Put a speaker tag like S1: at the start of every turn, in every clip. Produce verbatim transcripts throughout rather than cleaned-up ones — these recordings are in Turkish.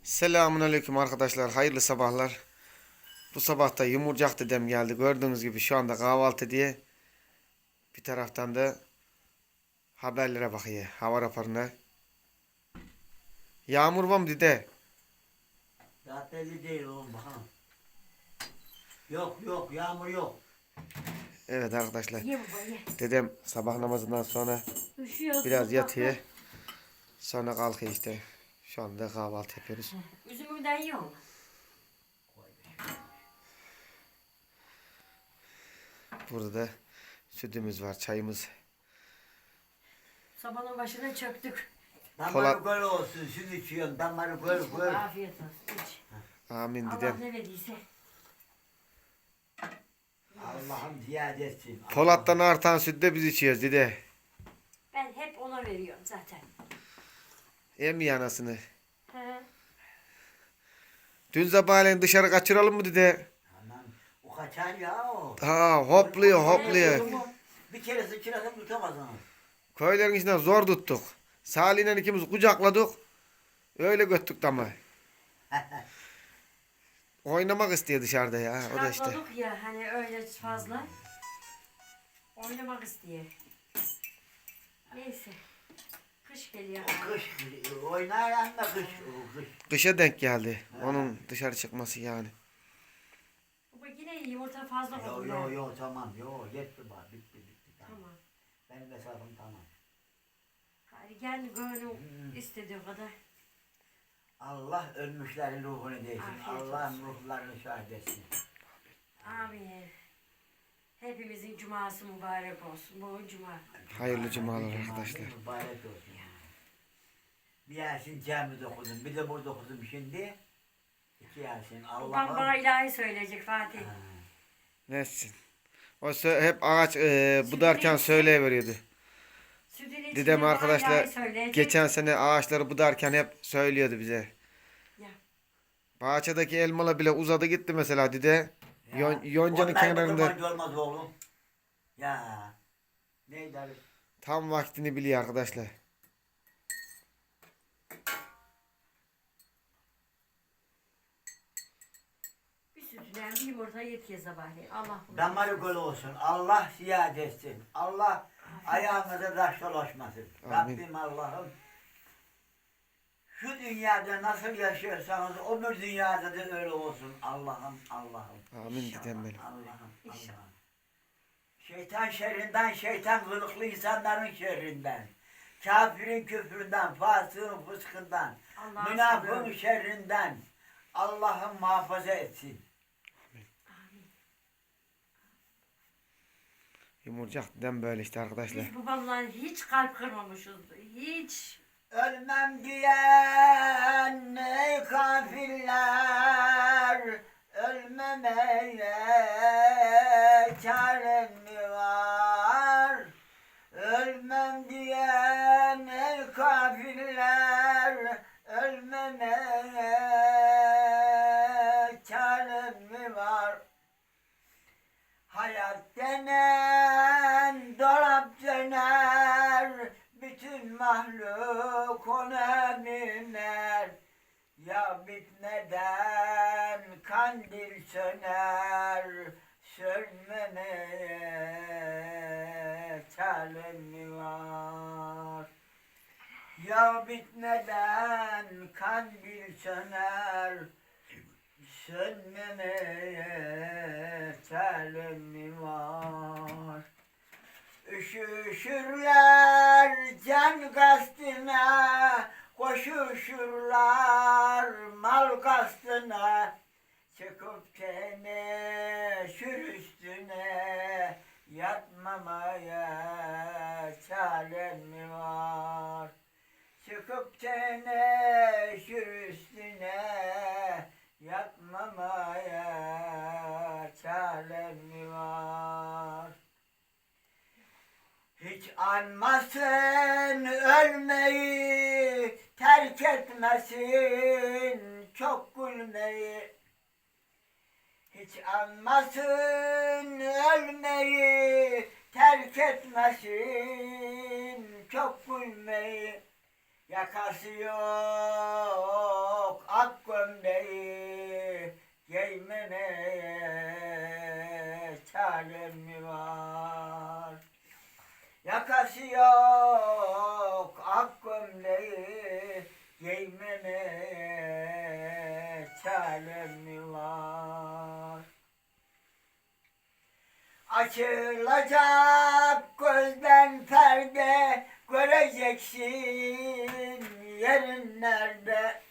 S1: Selamünaleyküm arkadaşlar. Hayırlı sabahlar. Bu sabah da Yumurcak dedem geldi. Gördüğünüz gibi şu anda kahvaltı diye. Bir taraftan da haberlere bakıyor. Hava raporuna. Yağmur var mı dede?
S2: Daha belli değil oğlum bakalım. Yok yok yağmur yok.
S1: Evet arkadaşlar.
S3: Ye baba ye.
S1: Dedem sabah namazından sonra
S3: Üşüyorsun.
S1: biraz
S3: bak,
S1: yatıyor.
S3: bak.
S1: Sonra kalkıyor işte. Şu anda kahvaltı yapıyoruz.
S3: Üzümünden yiyor mu?
S1: Burada da sütümüz var, çayımız.
S3: Sabahın başına çöktük.
S1: Polat-
S2: Damarı böyle olsun süt içiyorsun damarı böyle
S3: İç baba,
S2: böyle.
S3: afiyet olsun. İç.
S1: Amin
S3: Allah
S1: dedem.
S3: ne verdiyse.
S2: Allah'ım ziyade etsin.
S1: Polat'tan artan sütü de biz içiyoruz dede.
S3: Ben hep ona veriyorum zaten.
S1: Emmi anasını.
S3: He.
S1: Dün sabahleyin dışarı kaçıralım mı dede?
S2: Aman o kaçar ya o.
S1: Ha hopluyor hopluyor.
S2: Bir kere sıçrasın tutamazsın.
S1: Köylerin içinden zor tuttuk. Salih'le ikimiz kucakladık. Öyle göttük ama. Oynamak istiyor dışarıda ya. O da işte.
S3: Çıkartmadık ya hani öyle fazla. Oynamak istiyor. Neyse. Kış geliyor.
S2: Kış oynar ama kış o kış.
S1: Kışa denk geldi. Onun dışarı çıkması yani.
S3: Baba yine yumurta fazla
S2: Yo
S3: koydum
S2: yo
S3: ben.
S2: yo tamam yo yetti bak bitti bitti tamam.
S3: Tamam.
S2: Benim hesabım tamam.
S3: Hadi gel gönlüm istediği kadar.
S2: Allah ölmüşlerin ruhunu değsin.
S3: Afiyet
S2: Allah'ın ruhlarını şahit etsin.
S3: Amin. Hepimizin cuması mübarek olsun. Bu cuma.
S1: Hayırlı cumalar
S2: Cumanın
S1: arkadaşlar.
S2: Mübarek olsun. Bir Yasin camide okudum, bir de burada okudum şimdi. İki Yasin.
S3: Babam bana
S2: Allah'ım.
S3: ilahi söyleyecek Fatih.
S2: Ha.
S1: Nesin? O sö- hep ağaç e, budarken söyleyiveriyordu.
S3: Sütün içinde
S1: Dedem
S3: bana
S1: arkadaşlar
S3: ilahi söyleyecek.
S1: geçen sene ağaçları budarken hep söylüyordu bize.
S3: Ya.
S1: Bahçedeki elmalar bile uzadı gitti mesela dede.
S2: Ya,
S1: Yon, yoncanın
S2: onlar
S1: kenarında
S2: bakırmancı olmaz oğlum. Ya. Ne der?
S1: tam vaktini biliyor arkadaşlar.
S3: Bir sütünden bir yumurta yetiyor sabahleyin. Allah bunu
S2: Damarı gol olsun. Allah ziyade etsin. Allah ayağınıza taş dolaşmasın.
S1: Amin.
S2: Rabbim Allah'ım. Şu dünyada nasıl yaşıyorsanız öbür dünyada da öyle olsun. Allah'ım Allah'ım.
S1: Amin dedem benim.
S2: Allah'ım
S3: İnşallah.
S2: Allah'ım. Şeytan şerrinden, şeytan kılıklı insanların şerrinden. Kafirin küfründen, fasığın fıskından,
S3: Allah'a
S2: münafığın
S3: sanıyorum.
S2: şerrinden Allah'ım muhafaza etsin.
S1: Yumurcak dedem böyle işte arkadaşlar.
S3: Biz babamla hiç kalp kırmamışız. Hiç.
S2: Ölmem diyen ey kafirler, ölmemeye çarem mi var? Ölmem diyen ey kafirler, ölmemeye çarem mi var? Hayat denen dolap döner, bütün mahluk ona biner. Ya bitmeden kandil söner, sönmemeye çarem mi var? Ya bitmeden kandil söner, sönmemeye çarem mi var? Üşüşürler can kastına, koşuşurlar mal kastına. Çıkıp teneşür üstüne, yatmamaya çarem mi var? Çıkıp teneşür üstüne, yatmamaya çarem mi var? Hiç anmasın ölmeyi, terk etmesin çok gülmeyi. Hiç anmasın ölmeyi, terk etmesin çok gülmeyi. Yakası yok ak çarem mi var? Yakası yok ak gömleği giymeme çarem mi var? Açılacak gözden perde göreceksin yerin nerede?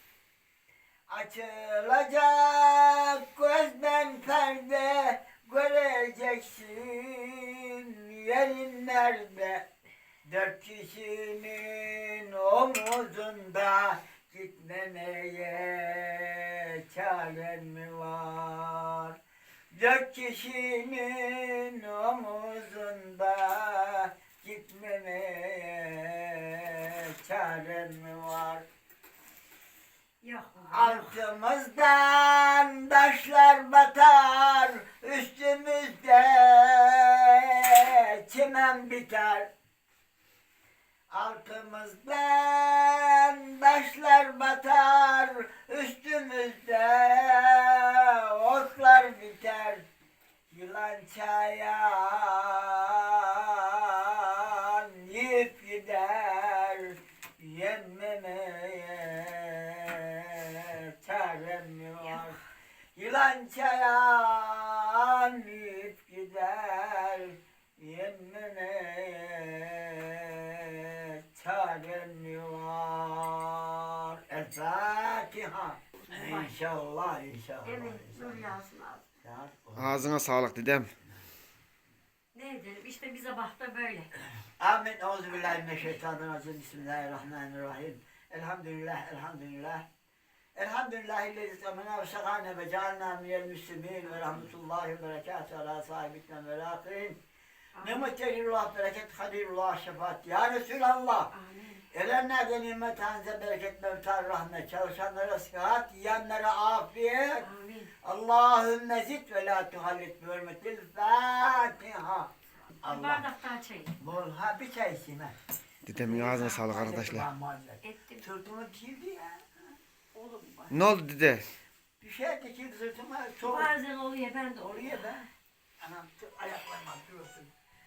S2: Açılacak gözden perde göreceksin yerin nerede? Dört kişinin omuzunda gitmemeye çaren mi var? Dört kişinin omuzunda gitmemeye çaren mi var?
S3: Yok.
S2: Altımızdan taşlar batar, üstümüzde çimen biter. Altımızdan taşlar batar, üstümüzde otlar biter. Yılan çayan yiyip gider, yenmemeye çarem mi var? Yılan çayan yiyip gider, yenmemeye çarem mi var? El Fatiha. İnşallah, inşallah.
S3: Evet, nur
S2: inşallah.
S3: yağsın abi.
S1: Ağzına sağlık dedem.
S3: Ne edelim? İşte bize baktı böyle.
S2: Amin. Euzubillahimineşşeytanirracim. Bismillahirrahmanirrahim. Elhamdülillah, elhamdülillah. Elhamdülillahi temena ve şakane ve cealna minel müslimin ve rahmetullahi ve berekatuhu ala sahibikna ve lakin. Nimet celilullah, bereket halilullah, şefaat. Ya Resulallah.
S3: Amin.
S2: Erenlerde nimet hanze bereket mevtar rahmet. Çalışanlara sıhhat, yiyenlere afiyet.
S3: Amin.
S2: Allahümme zid ve la tuhallit bi hürmetil Fatiha.
S3: Bir
S2: Allah.
S3: bardak daha çay.
S2: Bol ha bir çay içeyim ha.
S1: Dedemin ağzına sağlık arkadaşlar.
S3: Ettim.
S2: Sırtıma dikildi ya. Oğlum bak.
S1: Ne oldu dede?
S2: Bir şey dikildi sırtıma. Çok
S3: Bazen oluyor ben de oluyor.
S2: oraya be. Anam çok ayaklarım atıyorsun.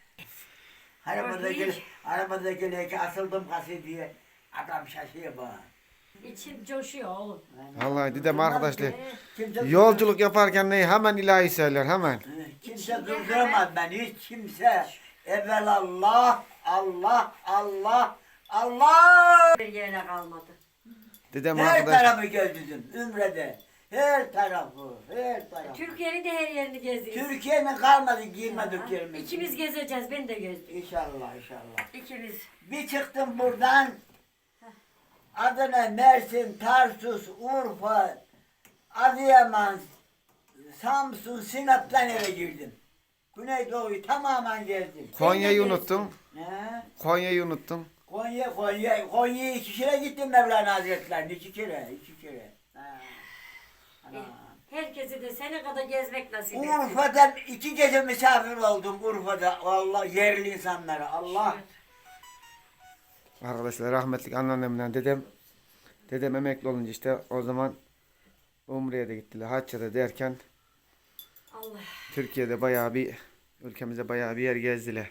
S2: Arabada gel,
S3: Örneğin.
S2: arabada gelirken asıldım kası diye. Adam şaşıyor bana.
S3: İçim coşuyor oğlum.
S1: Vallahi dedem arkadaşlar.
S2: Kimse
S1: Yolculuk yaparken neyi hemen ilahi söyler hemen.
S2: Kimse
S3: İçinde
S2: durduramaz beni, hiç kimse. Evvel Allah, Allah, Allah, Allah.
S3: Bir yerine kalmadı.
S1: Dedem
S2: Her
S1: arkadaşlar.
S2: tarafı gezdim, Ümre'de. Her tarafı, her tarafı.
S3: Türkiye'nin de her yerini gezdik.
S2: Türkiye'nin kalmadı giymedik yerimiz.
S3: İkimiz gezeceğiz. Ben de gezdim.
S2: İnşallah, inşallah.
S3: İkimiz.
S2: Bir çıktım buradan. Adana, Mersin, Tarsus, Urfa, Adıyaman, Samsun, Sinop'tan eve girdim. Güneydoğu'yu tamamen gezdim.
S1: Konya'yı unuttum.
S2: Ne?
S1: Konya'yı unuttum.
S2: Konya, Konya, Konya'ya iki kere gittim Mevlana Hazretleri'ne. iki kere, iki kere. Ha. Ana.
S3: Herkesi de sene kadar gezmek nasip etsin.
S2: Urfa'dan iki gece misafir oldum Urfa'da. Allah yerli insanlara. Allah.
S1: Arkadaşlar rahmetli anneannemle dedem. Dedem emekli olunca işte o zaman Umre'ye de gittiler. Hacca'da derken
S3: Allah.
S1: Türkiye'de bayağı bir ülkemize bayağı bir yer gezdiler.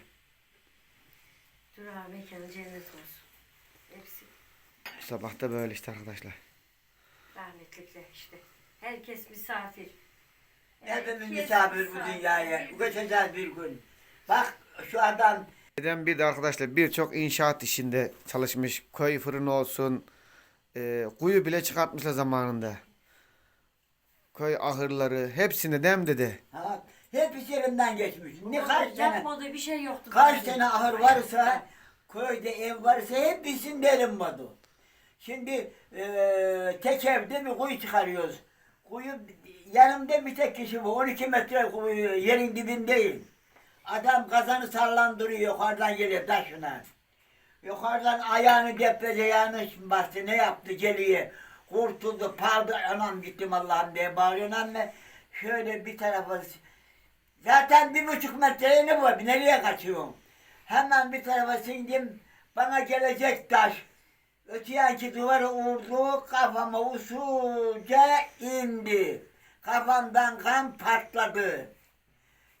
S3: Durağı mekanı cennet olsun. Hepsi
S1: Bu sabah da böyle işte arkadaşlar.
S3: rahmetlikler işte. Herkes misafir.
S2: Hepimiz
S3: Herkes
S2: misafir bu dünyaya. Göçeceğiz bir gün. Bak şu adam
S1: Dedem bir de arkadaşlar birçok inşaat işinde çalışmış. Köy fırını olsun. E, kuyu bile çıkartmışlar zamanında. Köy ahırları hepsini dem dedi.
S2: ha, hep iş yerinden geçmiş. Ne kaç tane,
S3: Yapmadığı bir şey yoktu.
S2: kaç
S3: tabii.
S2: tane ahır varsa, köyde ev varsa hep bizim verilmedi. Şimdi eee tek evde bir kuyu çıkarıyoruz. Kuyu yanımda bir tek kişi bu. on iki metre kuyu yerin dibindeyim. Adam kazanı sallandırıyor yukarıdan geliyor taşına. Yukarıdan ayağını deprece yanlış bastı ne yaptı geliyor. Kurtuldu paldı anam gittim Allah'ım diye bağırıyor ama şöyle bir tarafa zaten bir buçuk metreye ne var nereye kaçıyorum. Hemen bir tarafa sindim bana gelecek taş. Öte yanki duvara vurdu kafama usulca indi. Kafamdan kan patladı.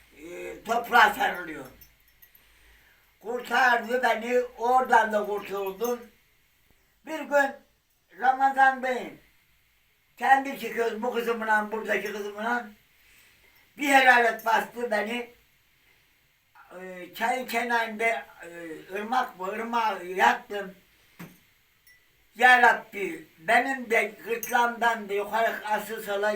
S2: e, toprağa sarılıyor. Kurtardı beni, oradan da kurtuldum. Bir gün Ramazan'dayım. Kendi çıkıyoruz bu kızımla, buradaki kızımla. Bir helalet bastı beni. Ee, çayın kenarında e, ırmak mı, ırmağa yattım. Ya Rabbi, benim de gırtlağımdan da yukarı asıl sola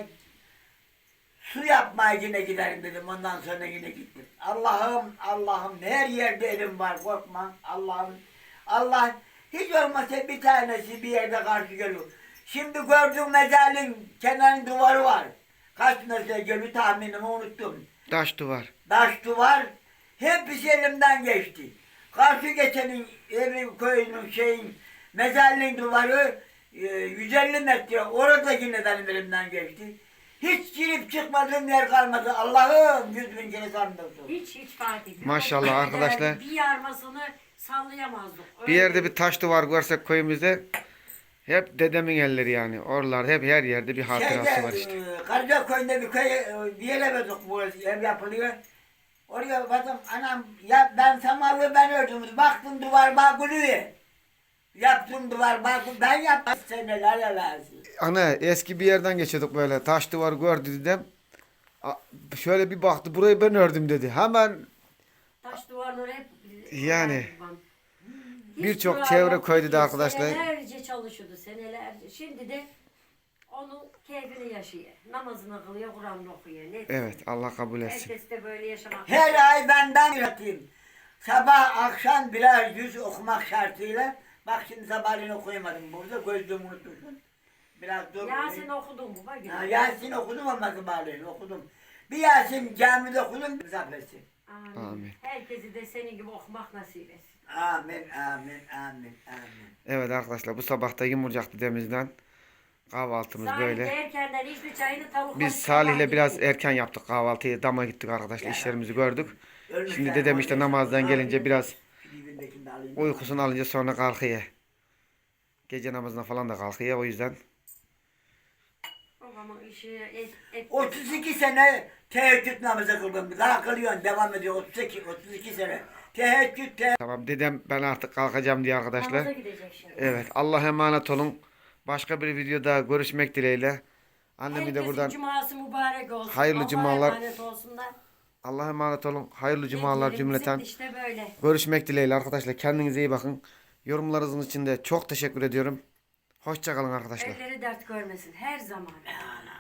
S2: su yapmaya yine giderim dedim. Ondan sonra yine gittim. Allah'ım, Allah'ım her yerde elim var, korkma. Allah'ım, Allah hiç olmasa bir tanesi bir yerde karşı geliyor. Şimdi gördüğüm mezarlığın kenarın duvarı var. Kaç metre geliyor tahminimi unuttum.
S1: Taş duvar.
S2: Taş duvar hepsi elimden geçti. Karşı geçenin evi köyünün şeyin mezarlığın duvarı e, yüz elli metre orada yine benim elimden geçti. Hiç girip çıkmadığım yer kalmadı. Allah'ım yüz bin kere sandırsın.
S3: Hiç hiç Fatih.
S1: Maşallah arkadaşlar.
S3: Bir yarmasını sallayamazdık.
S1: Bir yerde bir taş duvar görsek köyümüzde hep dedemin elleri yani. Oralar hep her yerde bir hatırası var işte.
S2: Şeyde, e, Karacaköy'ünde bir köy, e, bir yere verdik bu ev yapılıyor. Oraya baktım anam ya ben samanlığı ben ördüm. Baktım duvar bağ gülüyor. Yaptım duvar bağ ben yaptım. Seneler lazım.
S1: Ana eski bir yerden geçiyorduk böyle. Taş duvar gördü dedem. A- Şöyle bir baktı burayı ben ördüm dedi. Hemen
S3: Taş duvarları hep
S1: Yani.
S3: Hiç
S1: Birçok
S3: duvar
S1: çevre
S3: yoktu
S1: köyde de
S3: ki.
S1: arkadaşlar.
S3: Senelerce çalışıyordu senelerce. Şimdi de onun keyfini yaşıyor. Namazını kılıyor, Kur'an'ını okuyor. Ne?
S1: evet Allah kabul etsin.
S3: Herkes de böyle yaşamak.
S2: Her ay benden üreteyim. Sabah akşam birer yüz okumak şartıyla. Bak şimdi sabahleyin okuyamadım burada. Gözlüğümü unutmuşum. Biraz dur.
S3: Yasin okudun mu? Bak
S2: Ya, Yasin okudum ama sabahleyin okudum. Bir Yasin camide okudum. Zafesi.
S3: Amin.
S1: Amin.
S3: Herkesi de senin gibi okumak nasip etsin.
S2: Amin, amin, amin, amin.
S1: Evet arkadaşlar bu sabah da yumurcak dedemizden kahvaltımız
S3: Salih
S1: böyle.
S3: erkenden içti çayını tavuk
S1: Biz Salih'le biraz erken yaptık kahvaltıyı. Dama gittik arkadaşlar. işlerimizi gördük. Şimdi dedem işte namazdan gelince biraz uykusunu alınca sonra kalkıyor. Gece namazına falan da kalkıyor. O yüzden
S3: Babamın işi et, et,
S2: otuz iki sene teheccüd namazı kıldım. Daha kılıyorsun, devam ediyor. otuz iki, otuz iki sene. Teheccüd, teheccüd.
S1: tamam dedem ben artık kalkacağım diye arkadaşlar.
S3: Namaza gidecek şimdi.
S1: Evet Allah'a emanet olun. Başka bir videoda görüşmek dileğiyle. Annemi de
S3: Herkesin
S1: buradan
S3: cuması mübarek olsun.
S1: Hayırlı
S3: Allah'a
S1: cumalar.
S3: emanet olsunlar.
S1: Allah'a emanet olun. Hayırlı cumalar
S3: Hediyelerimiz
S1: cümleten.
S3: işte böyle.
S1: Görüşmek dileğiyle arkadaşlar. Kendinize iyi bakın. Yorumlarınız için de çok teşekkür ediyorum. Hoşça kalın arkadaşlar.
S3: Elleri dert görmesin her zaman.
S2: Ya,